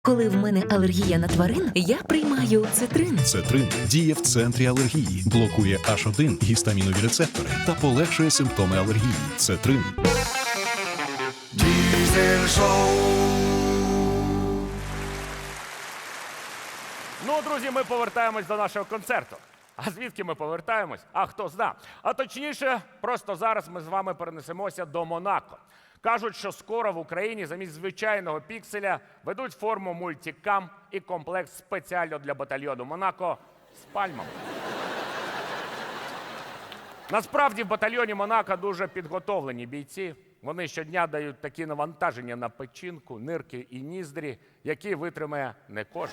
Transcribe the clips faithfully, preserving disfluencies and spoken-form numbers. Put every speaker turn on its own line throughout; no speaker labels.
Коли в мене алергія на тварин, я приймаю цитрин.
Цетрин діє в центрі алергії, блокує аш один гістамінові рецептори та полегшує симптоми алергії. Цетрин.
Diesel Show.
Ну, друзі, ми повертаємось до нашого концерту. А звідки ми повертаємось? А хто зна. А точніше, просто зараз ми з вами перенесемося до Монако. Кажуть, що скоро в Україні замість звичайного пікселя ведуть форму мультикам і комплект спеціально для батальйону Монако з пальмами. Насправді в батальйоні Монако дуже підготовлені бійці. Вони щодня дають такі навантаження на печінку, нирки і ніздрі, які витримає не кожен.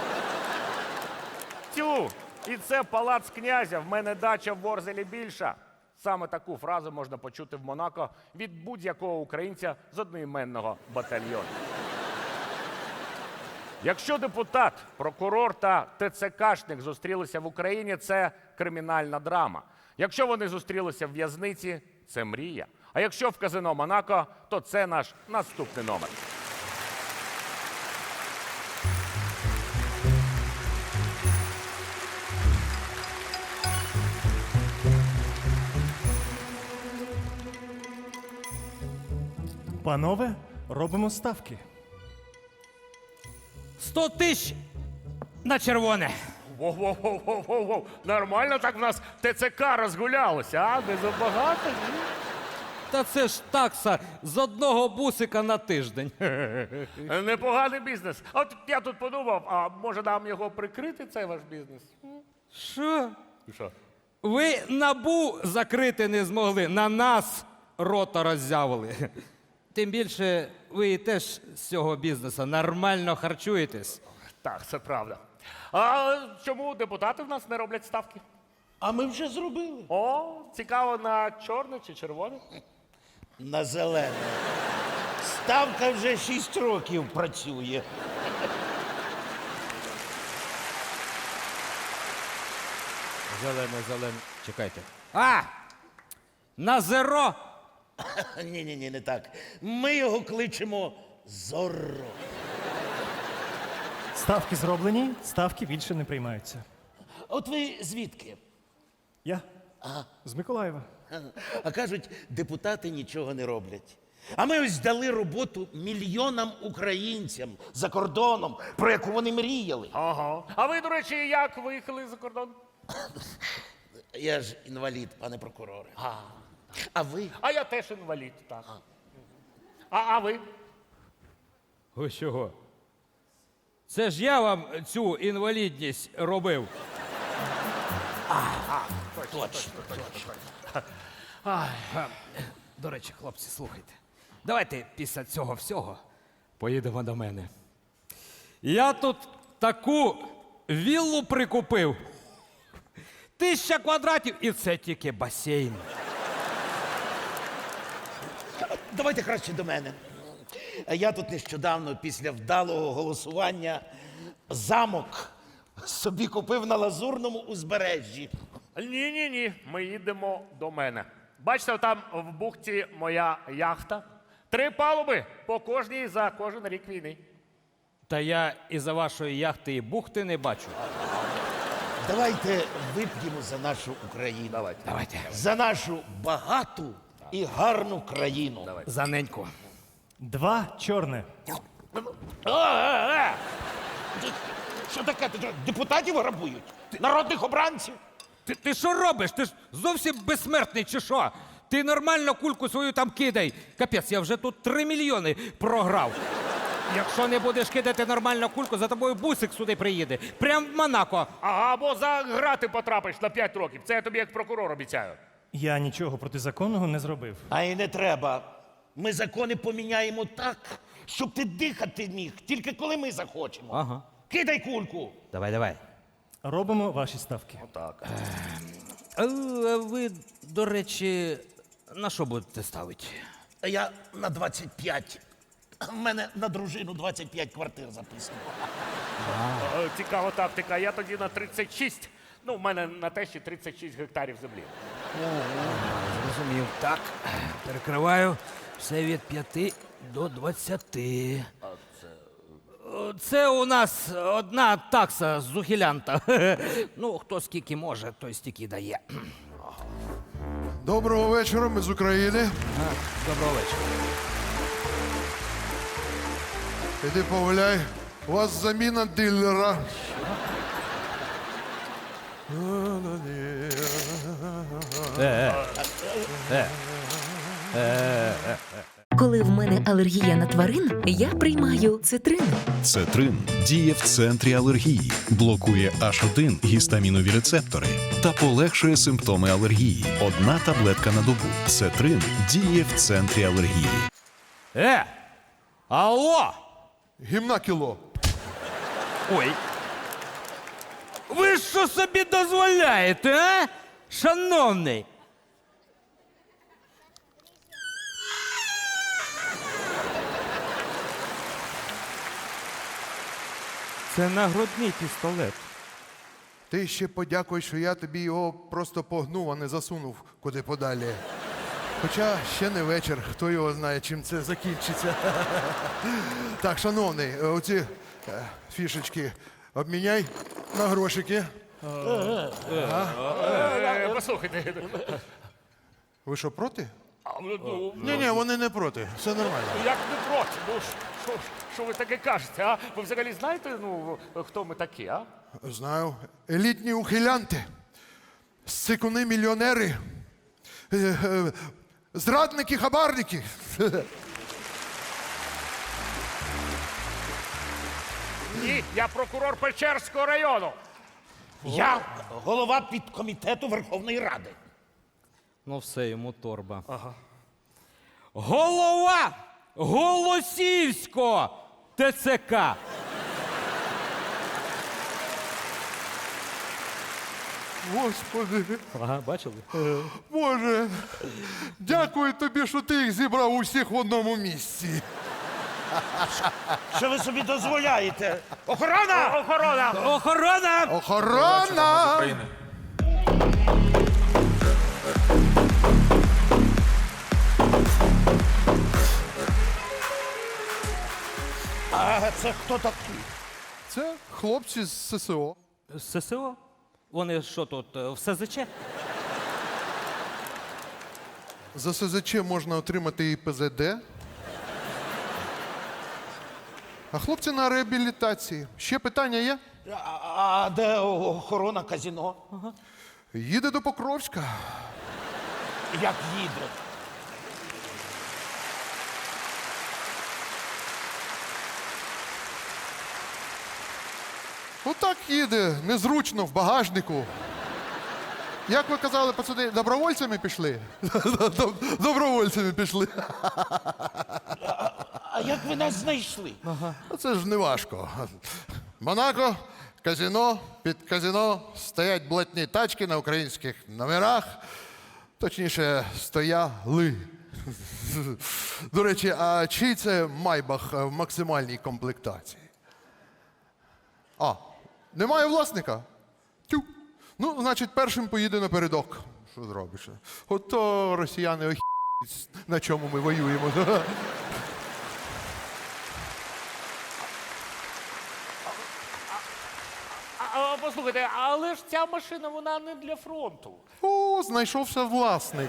Тю! І це палац князя, в мене дача в Ворзелі більша. Саме таку фразу можна почути в Монако від будь-якого українця з одноіменного батальйону. Якщо депутат, прокурор та ТЦКшник зустрілися в Україні, це кримінальна драма. Якщо вони зустрілися в в'язниці, це мрія. А якщо в казино Монако, то це наш наступний номер.
Панове, робимо ставки.
Сто тисяч на червоне.
Воу-воу-воу-воу-воу. Нормально так в нас ТЦК розгулялося, а? Не забагато? Ні?
Та це ж такса з одного бусика на тиждень.
Непоганий бізнес. А От я тут подумав, а може нам його прикрити, цей ваш бізнес?
Що?
Що?
Ви НАБУ закрити не змогли, на нас рота роззявили. Тим більше ви теж з цього бізнесу нормально харчуєтесь.
Так, це правда. А чому депутати в нас не роблять ставки?
А ми вже зробили.
О, цікаво, на чорне чи червоне?
На зелене. Ставка вже шість років працює.
Зелене, зелене. Чекайте. А! На зеро!
Ні-ні-ні, не так. Ми його кличемо Зорро.
Ставки зроблені, ставки більше не приймаються.
От ви звідки?
Я? З Миколаєва.
А кажуть, депутати нічого не роблять. А ми ось дали роботу мільйонам українцям за кордоном, про яку вони мріяли.
Ага. А ви, до речі, як виїхали за кордон?
Я ж інвалід, пане прокуроре. А, а ви?
А я теж інвалід, так. А, а ви?
Ви чого? Це ж я вам цю інвалідність робив.
Точно, точно.
Ай, а, до речі, хлопці, слухайте. Давайте після цього всього поїдемо до мене. Я тут таку віллу прикупив. Тисяча квадратів, і це тільки басейн.
Давайте краще до мене. Я тут нещодавно, після вдалого голосування, замок собі купив на Лазурному узбережжі.
Ні-ні-ні, ми їдемо до мене. Бачите, там в бухті моя яхта. Три палуби по кожній за кожен рік війни.
Та я із-за вашої яхти і бухти не бачу.
Давайте вип'ємо за нашу Україну.
Давайте.
Давайте.
За нашу багату і гарну країну.
За неньку.
Два чорне.
А, а, а! Ти- Що таке? Ти що, депутатів грабують? Народних обранців?
Ти, ти що робиш? Ти ж зовсім безсмертний чи що? Ти нормально кульку свою там кидай. Капець, я вже тут три мільйони програв. Якщо не будеш кидати нормально кульку, за тобою бусик сюди приїде. Прям в Монако.
Ага, або за грати потрапиш на п'ять років. Це я тобі як прокурор обіцяю.
Я нічого протизаконного не зробив.
А і не треба. Ми закони поміняємо так, щоб ти дихати міг, тільки коли ми захочемо.
Ага.
Кидай кульку.
Давай, давай.
Робимо ваші ставки.
Так.
А ви, до речі, на що будете ставити?
А я на двадцять п'ять. У мене на дружину двадцять п'ять квартир записано.
Е, Цікава тактика. Я тоді на тридцять шість. Ну, в мене на тещі тридцять шість гектарів землі.
Зрозумів. Так, перекриваю все від п'яти до двадцяти. Це у нас одна такса з ухилянта. Ну, хто скільки може, той стільки дає.
Доброго вечора, ми з України.
Доброго вечора.
Іди погуляй. У вас заміна дилера.
Коли в мене алергія на тварин, я приймаю цитрин.
Цетрин діє в центрі алергії, блокує аш один гістамінові рецептори та полегшує симптоми алергії. Одна таблетка на добу. Цетрин діє в центрі алергії.
Е! Алло!
Гімна кіло.
Ой. Ви що собі дозволяєте, а? Шановний. Це нагрудний пістолет.
Ти ще подякуй, що я тобі його просто погнув, а не засунув куди подалі. Хоча ще не вечір, хто його знає, чим це закінчиться. Так, шановний, оці е, фішечки обміняй на грошики.
Е, Послухайте.
Ви що, проти?
а, ну,
Ні, ні, вони не проти. Все нормально.
Як не проти? Ну, що, що ви таке кажете, а? Ви взагалі знаєте, ну, хто ми такі, а?
Знаю. Елітні ухилянти, сикуни мільйонери, е, е, зрадники, хабарники.
Ні, я прокурор Печерського району.
Я голова підкомітету Верховної Ради.
Ну все, йому торба. Ага. Голова Голосіївського ТЦК.
Господи,
Ага, бачили?
Боже, дякую тобі, що ти їх зібрав усіх в одному місці.
Що ви собі дозволяєте? Охорона!
Охорона!
Охорона!
Охорона!
А це хто такий?
Це хлопці з ССО.
З ССО? Вони що тут, е, в СЗЧ?
За СЗЧ можна отримати і ПЗД. А хлопці на реабілітації. Ще питання є?
А, а де охорона казино?
Їде до Покровська.
Як їде?
Отак їде, незручно, в багажнику. Як ви казали, пацани, добровольцями пішли? Добровольцями пішли.
А як ви нас знайшли?
А це ж не важко. Монако, казино, під казино стоять блатні тачки на українських номерах. Точніше, стояли. До речі, а чий це майбах в максимальній комплектації? А, немає власника? Тю. Ну, значить, першим поїде напередок. Що зробиш? Ото росіяни охі**ють, на чому ми воюємо.
А, а, послухайте, але ж ця машина, вона не для фронту.
О, знайшовся власник.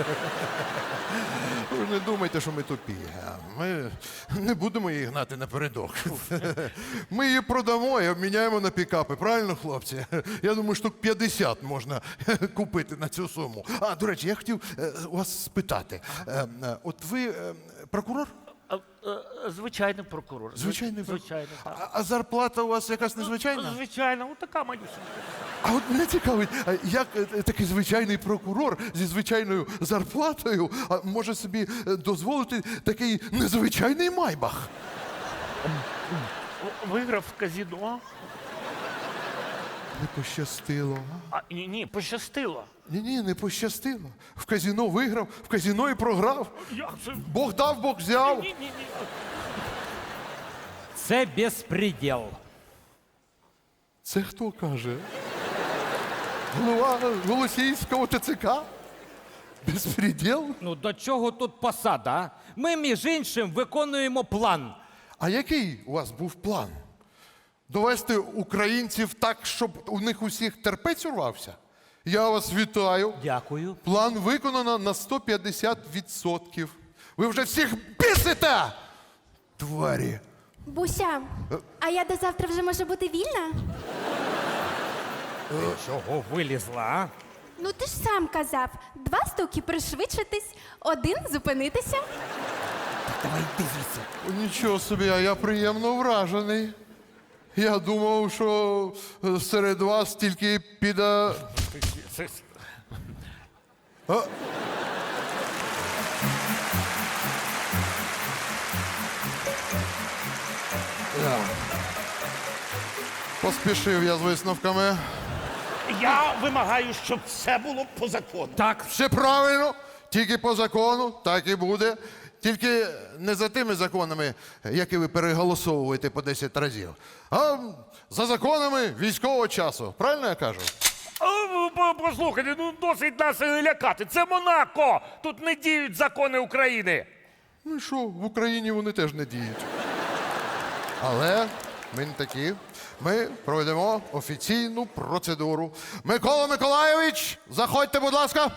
Ви не думайте, що ми тупі. Ми не будемо її гнати напередок. Ми її продамо і обміняємо на пікапи. Правильно, хлопці? Я думаю, штук п'ятдесят можна купити на цю суму. А, до речі, я хотів е, у вас спитати. Е, е, От ви е, прокурор?
А, а, звичайний прокурор.
Звичайний прокурор.
Звичайно, так.
А, а зарплата у вас якась незвичайна?
Звичайно, от така манюсенька.
А от мене цікавить, а як е, такий звичайний прокурор зі звичайною зарплатою а, може собі е, дозволити такий незвичайний майбах?
Виграв в казино.
Не пощастило. а?
А, ні, ні, пощастило.
Ні-ні, не пощастило. В казино виграв, в казино і програв.
Як це?
Бог дав, Бог взяв.
Ні, ні, ні.
Це безпреділ.
Це хто каже? Голова Голосіївського ТЦК? Безпреділ?
Ну до чого тут посада? А? Ми, між іншим, виконуємо план.
А який у вас був план? Довести українців так, щоб у них усіх терпець урвався? Я вас вітаю.
Дякую.
План виконано на сто п'ятдесят відсотків. Ви вже всіх бісите! Тварі.
Буся, а я до завтра вже можу бути вільна?
Чого вилізла, а?
Ну ти ж сам казав, два стуки пришвидшитись, один зупинитися.
Давай йди звідси.
Нічого собі, а я приємно вражений. Я думав, що е, серед вас тільки піде. А? Я. Поспішив я з висновками.
Я вимагаю, щоб це було по закону.
Так,
Все правильно, тільки по закону, так і буде. Тільки не за тими законами, які ви переголосовуєте по десять разів, а за законами військового часу. Правильно я кажу?
А, по- Послухайте, ну досить нас е, лякати. Це Монако! Тут не діють закони України.
Ну і що, в Україні вони теж не діють. Але ми не такі. Ми пройдемо офіційну процедуру. Микола Миколайович, заходьте, будь ласка.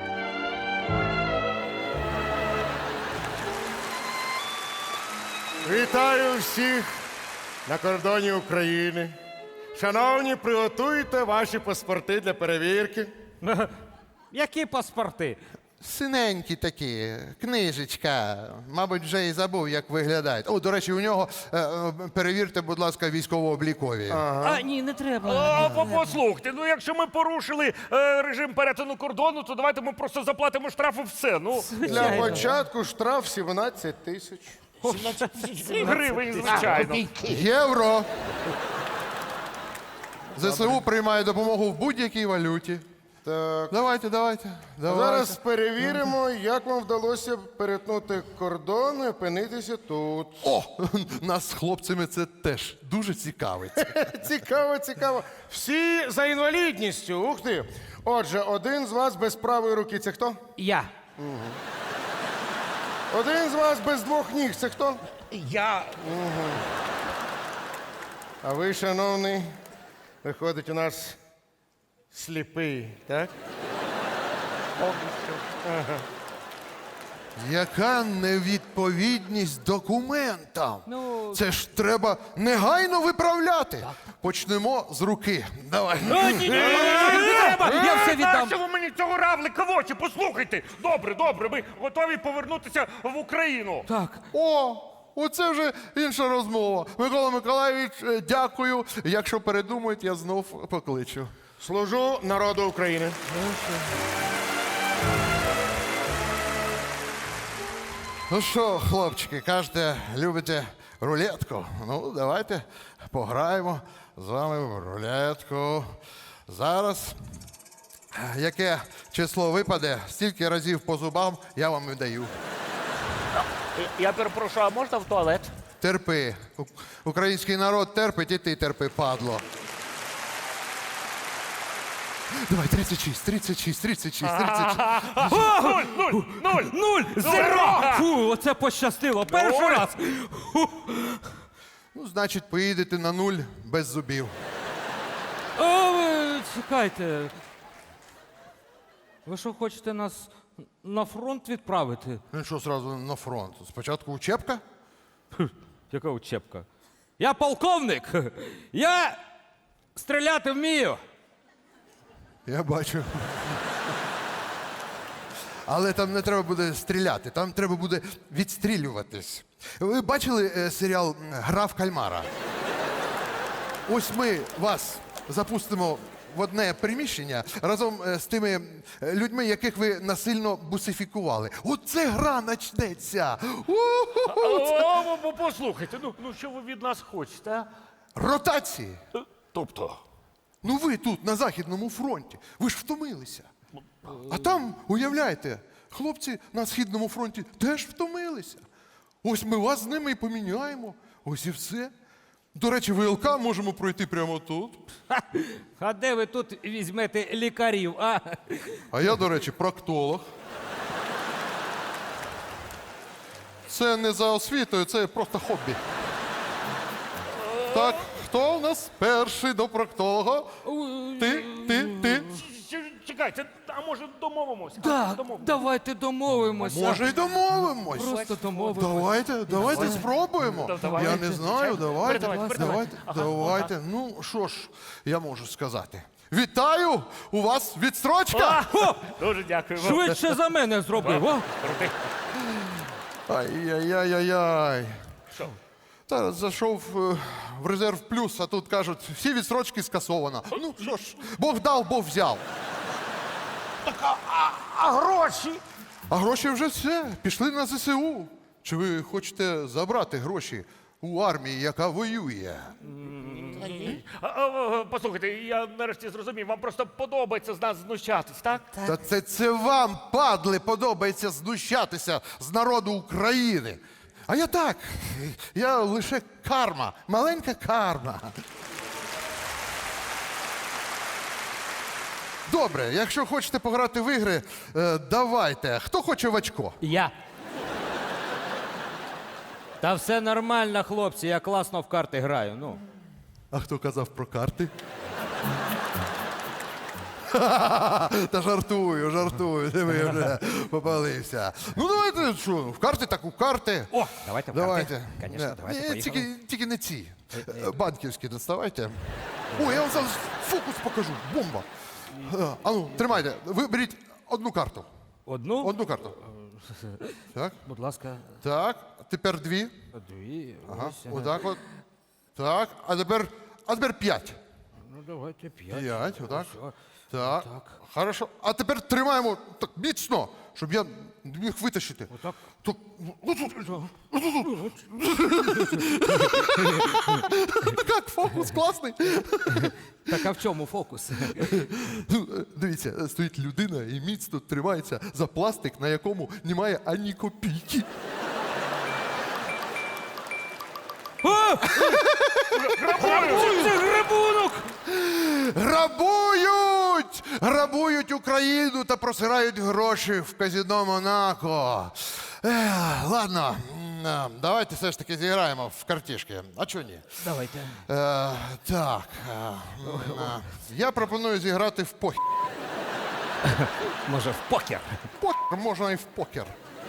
Вітаю всіх на кордоні України. Шановні, приготуйте ваші паспорти для перевірки.
які паспорти?
Синенькі такі, книжечка. Мабуть, вже і забув, як виглядають. О, до речі, у нього е, е, перевірте, будь ласка, військово-облікові.
А, ні, не треба.
А, по- послухайте, ну якщо ми порушили е, режим перетину кордону, то давайте ми просто заплатимо штраф і все. Ну,
Для початку штраф сімнадцять тисяч.
гривень, звичайно.
Євро. ЗСУ приймає допомогу в будь-якій валюті.
Так.
Давайте, давайте. давайте.
Зараз перевіримо, як вам вдалося перетнути кордон і опинитися тут.
О, нас з хлопцями це теж дуже цікавить.
Цікаво, цікаво. Всі за інвалідністю. Ух ти. Отже, один з вас без правої руки. Це хто?
Я.
Один з вас без двох ніг. Це хто?
Я
А ви, шановний, виходить, у нас сліпий, так?
Яка невідповідність документам? Це ж треба негайно виправляти. Почнемо з руки. Давай.
Я все віддам.
Що ви мені цього равлика в очі? Послухайте. Добре, добре, ми готові повернутися в Україну.
Так.
О, оце вже інша розмова. Микола Миколайович, е, дякую. Якщо передумають, я знов покличу.
Служу народу України.
Ну що, хлопчики, кажете, любите рулетку? Ну, давайте пограємо з вами в рулетку. Зараз, яке число випаде, стільки разів по зубам я вам і даю.
Я перепрошую, а можна в туалет?
Терпи. У- Український народ терпить, і ти терпи, падло. Давай, тридцять шість, тридцять шість, тридцять шість, тридцять шість.
Нуль, нуль, нуль.
Нуль! Зеро! Фу, оце пощастило. Перший
Нуль.
раз.
Ну, значить, поїдете на нуль без зубів.
О, ви чекайте. Ви що, хочете нас на фронт відправити?
Ну що, зразу на фронт? Спочатку учебка?
Яка учебка? Я полковник! Я стріляти вмію!
Я бачу. Але там не треба буде стріляти, там треба буде відстрілюватись. Ви бачили е, серіал м, Гра в кальмара? Ось ми вас запустимо в одне приміщення разом е, з тими е, людьми, яких ви насильно бусифікували. Оце гра начнеться! У-ху-ху!
О, о, послухайте, ну, ну що ви від нас хочете, а?
Ротації!
Тобто?
Ну ви тут, на Західному фронті, ви ж втомилися. А там, уявляєте, хлопці на Східному фронті теж втомилися. Ось ми вас з ними і поміняємо. Ось і все. До речі, ВЛК можемо пройти прямо тут.
А де ви тут візьмете лікарів, а?
А я, до речі, проктолог. Це не за освітою, це просто хобі. Так, хто у нас перший до проктолога? Ти, ти, ти.
Ч- Чекайте, а може домовимося?
Да,
Домовимося.
давайте домовимося.
Може, й домовимось.
Просто домовимося.
Давайте, давайте спробуємо.
Да, давайте.
Я не знаю, давайте,
Передавайте, передавайте.
давайте,
Ага,
давайте. Ну, що ж, я можу сказати. Вітаю! У вас відстрочка!
А, дуже дякую вам.
Швидше за мене зробив. О!
Крутий.
Ай-яй-яй-яй-яй.
Що?
Та зайшов е, в резерв плюс, а тут кажуть, всі відстрочки скасовано. Ну що ж, Бог дав, Бог взяв.
А гроші?
А гроші вже все, пішли на зе се у. Чи ви хочете забрати гроші у армії, яка воює?
А, а, а, Послухайте, я нарешті зрозумів, вам просто подобається з нас знущатись, так?
Та це, це вам, падли, подобається знущатися з народу України. А я так, я лише карма, маленька карма. Добре, якщо хочете пограти в ігри, е, давайте. Хто хоче в очко?
Я. Та все нормально, хлопці, я класно в карти граю. Ну.
А хто казав про карти? Та жартую, жартую, ти ви вже попалився. Ну давайте, що, в карти так у карти.
О, давайте в карти.
Давайте.
Конечно,
Е,
давайте,
ні,
поїхали.
тільки, тільки не ці. Е, Банківські доставайте. О, я вам зараз фокус покажу. Бомба. Е, А ну, тримайте. Ви беріть одну карту.
Одну?
Одну карту. Так,
Будь ласка,
так. Тепер дві.
дві.
Ага,
Ось, ага.
отак от. Так, а тепер, а тепер п'ять.
Ну, давайте п'ять.
П'ять, отак.
Все.
Так,
Отак.
хорошо. А тепер тримаємо так міцно, щоб я не міг витащити.
Отак.
Так, як фокус класний.
Так а в чому фокус?
Ну, е, Дивіться, е, стоїть людина і міцно тримається за пластик, на якому немає ані копійки.
Це грабунок!
Грабують! Грабують Україну та просирають гроші в казино Монако. Ех, ладно, м, е, давайте все ж таки зіграємо в картішки. А чого ні?
Давайте.
Е, так. е, м, е, я пропоную зіграти в покер.
Може, в покер?
Покер можна і в покер.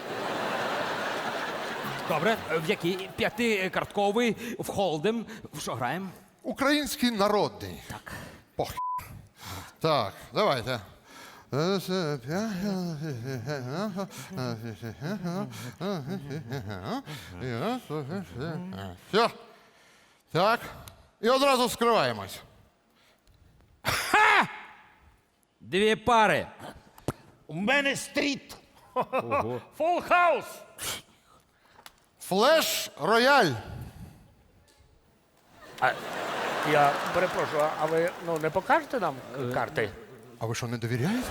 Добре. В який? П'ятикартковий, в холдем. В що граємо?
Український народний.
Так.
Покер. Так, давайте. Все. Так. І одразу скриваємось.
Дві пари.
У мене стріт.
Фул хаус!
Флеш рояль.
А, я перепрошую, а ви ну, не покажете нам карти?
А ви що, не довіряєте?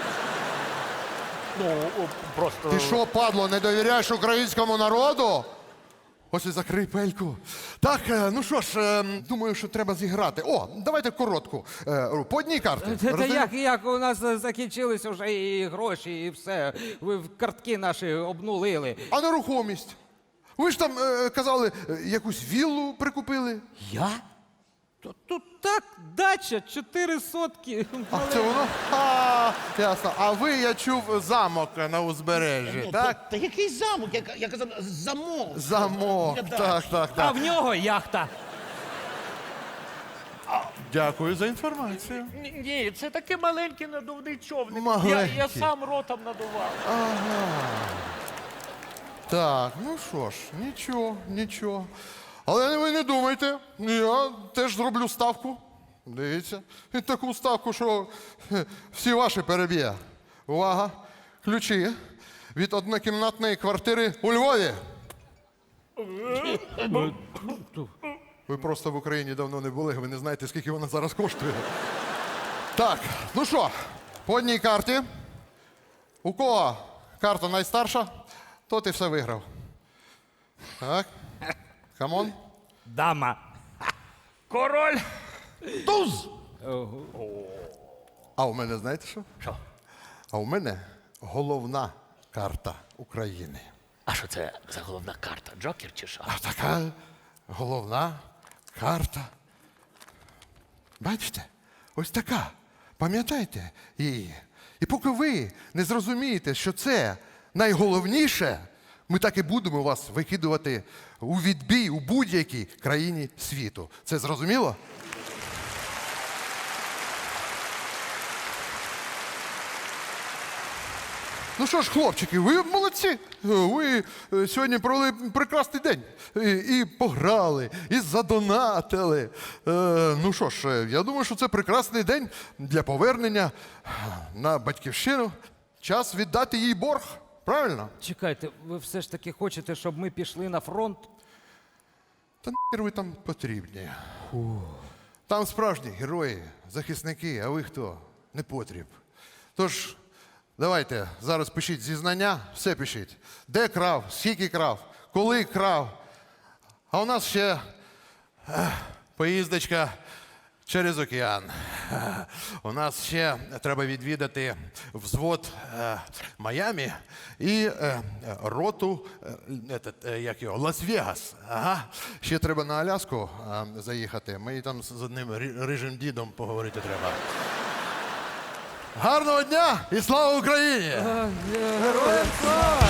Ну, о, просто.
Ти що, падло, не довіряєш українському народу? Ось і закрий пельку. Так, е, ну що ж, е, думаю, що треба зіграти. О, давайте коротку. Е, По одній карті.
Та
Роздаю-
як, як у нас е, закінчилися вже і гроші, і все. Ви в картки наші обнулили.
А нерухомість? Ви ж там е, казали, е, якусь віллу прикупили.
Я? Тут, тут так, дача, чотири сотки.
А це воно? А, ясно. А ви, я чув, замок на узбережжі,
Ну,
так?
Та, та який замок? Я, я казав, замок.
Замок,
Я
так, так,
А
так.
в нього яхта.
Дякую за інформацію.
Ні, ні, це такий маленький надувний човник. Я,
Маленький.
я сам ротом надував.
Так, ну що ж, нічого, нічого. Але ви не думайте, я теж зроблю ставку. Дивіться. І таку ставку, що хе, всі ваші переб'є. Увага! Ключі від однокімнатної квартири у Львові. Ви просто в Україні давно не були, ви не знаєте, скільки вона зараз коштує. Так, ну що, по одній карті. У кого карта найстарша, тот і все виграв. Так. Камон.
Дама.
Король!
Туз! А у мене знаєте що?
Що?
А у мене головна карта України.
А що це за головна карта? Джокер чи що?
А така головна карта Бачите? Ось така. Пам'ятайте її. І поки ви не зрозумієте, що це найголовніше, ми так і будемо вас викидувати у відбій у будь-якій країні світу. Це зрозуміло? Ну що ж, хлопчики, ви молодці. Ви е, сьогодні провели прекрасний день. І, і пограли, і задонатили. Е, ну що ж, е, я думаю, що це прекрасний день для повернення на батьківщину. Час віддати їй борг. Правильно?
Чекайте, ви все ж таки хочете, щоб ми пішли на фронт?
Та нахер ви там потрібні. Там справжні герої, захисники, а ви хто? Не потріб. Тож, давайте, зараз пишіть зізнання, все пишіть. Де крав, скільки крав, коли крав. А у нас ще ех, поїздочка через океан. Е, У нас ще треба відвідати взвод е, Майамі і е, роту, е, етот, е, як його, Лас-Вегас. Ага. Ще треба на Аляску е, заїхати. Ми там з одним ри- рижим дідом поговорити треба. Гарного дня і слава Україні!
Героям слава!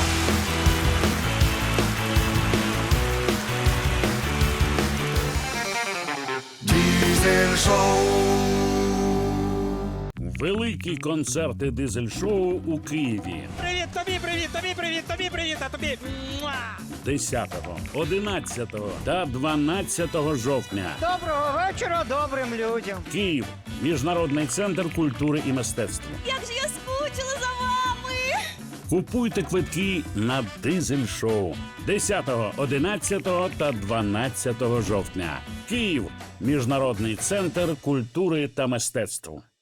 Великі концерти дизель-шоу у Києві.
Привіт тобі, привіт, тобі, привіт, тобі, привіт, а тобі. Муа!
десятого, одинадцятого та дванадцятого жовтня.
Доброго вечора добрим людям.
Київ. Міжнародний центр культури і мистецтва.
Як же я скучила за вами!
Купуйте квитки на дизель-шоу десятого, одинадцятого та дванадцятого жовтня. Київ. Міжнародний центр культури та мистецтва.